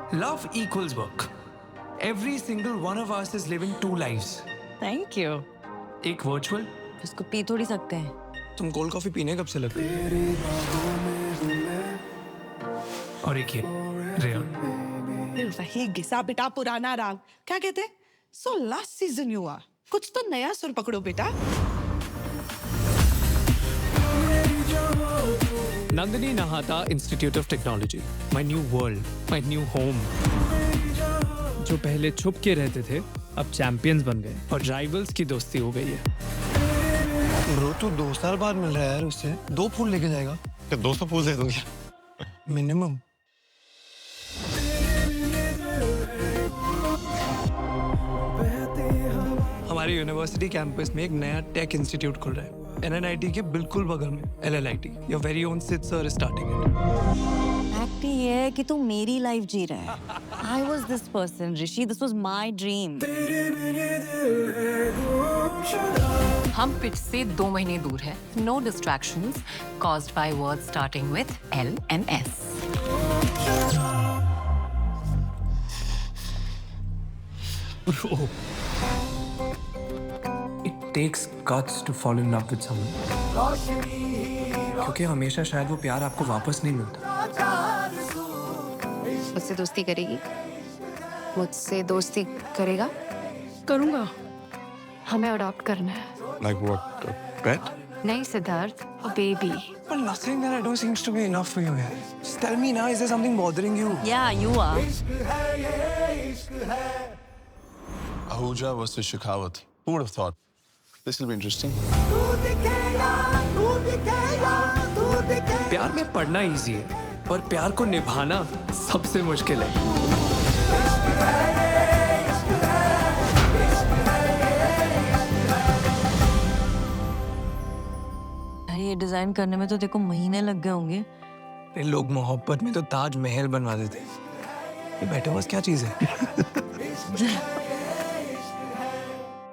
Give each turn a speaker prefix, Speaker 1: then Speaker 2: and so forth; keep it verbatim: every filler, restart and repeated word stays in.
Speaker 1: Love equals work. Every single one of us is living two lives.
Speaker 2: Thank you.
Speaker 1: एक virtual,
Speaker 2: इसको पी थोड़ी सकते हैं।
Speaker 3: तुम कोल्ड कॉफी पीने कब से लगे?
Speaker 1: और एक ये रियल।
Speaker 4: वही घिसा पिटा पुराना राग, क्या कहते हैं? सो लास्ट सीजन हुआ, कुछ तो नया सुर पकड़ो बेटा।
Speaker 3: नंदिनी नहाता institute of technology, my new world, my new home. जो पहले छुप के रहते थे अब चैंपियंस बन गए और राइवल्स की दोस्ती हो गई है।
Speaker 5: ब्रो तू दो साल बाद मिल रहा है यार उससे, दो फूल लेके जाएगा
Speaker 6: क्या दो सौ फूल दे दूंगी?
Speaker 5: मिनिमम।
Speaker 3: हमारे यूनिवर्सिटी कैंपस में एक नया टेक इंस्टीट्यूट खुल रहा है, एन एन आई टी के बिल्कुल बगल में, L L I T. Your very own Sid sir is starting it.
Speaker 2: Fact ये है कि तू मेरी लाइफ जी रहा है। I was this person, Rishi, this was my dream.
Speaker 7: हम पिच से दो महीने दूर है। No distractions caused by words starting with L and S.
Speaker 1: Bro, it takes guts to fall in love with someone. क्योंकि हमेशा शायद वो प्यार आपको वापस नहीं मिलता।
Speaker 7: मुझसे दोस्ती करेगी? मुझसे दोस्ती करेगा?
Speaker 4: करूंगा।
Speaker 7: हमें अडॉप्ट करना है।
Speaker 6: Like what? A pet?
Speaker 7: नहीं Siddharth, baby.
Speaker 3: But nothing that I do seems to be enough for you, man. Just tell me now, is there something bothering you?
Speaker 2: Yeah, you are.
Speaker 6: Ahuja versus Shekhawat. Who would have thought? This will be interesting.
Speaker 3: प्यार में पढ़ना easy है, पर प्यार को निभाना सबसे मुश्किल है।
Speaker 2: ये डिजाइन करने में तो देखो महीने लग गए होंगे।
Speaker 3: लोग मोहब्बत में तो ताज महल बनवा देते हैं। ये मेटावर्स क्या चीज है?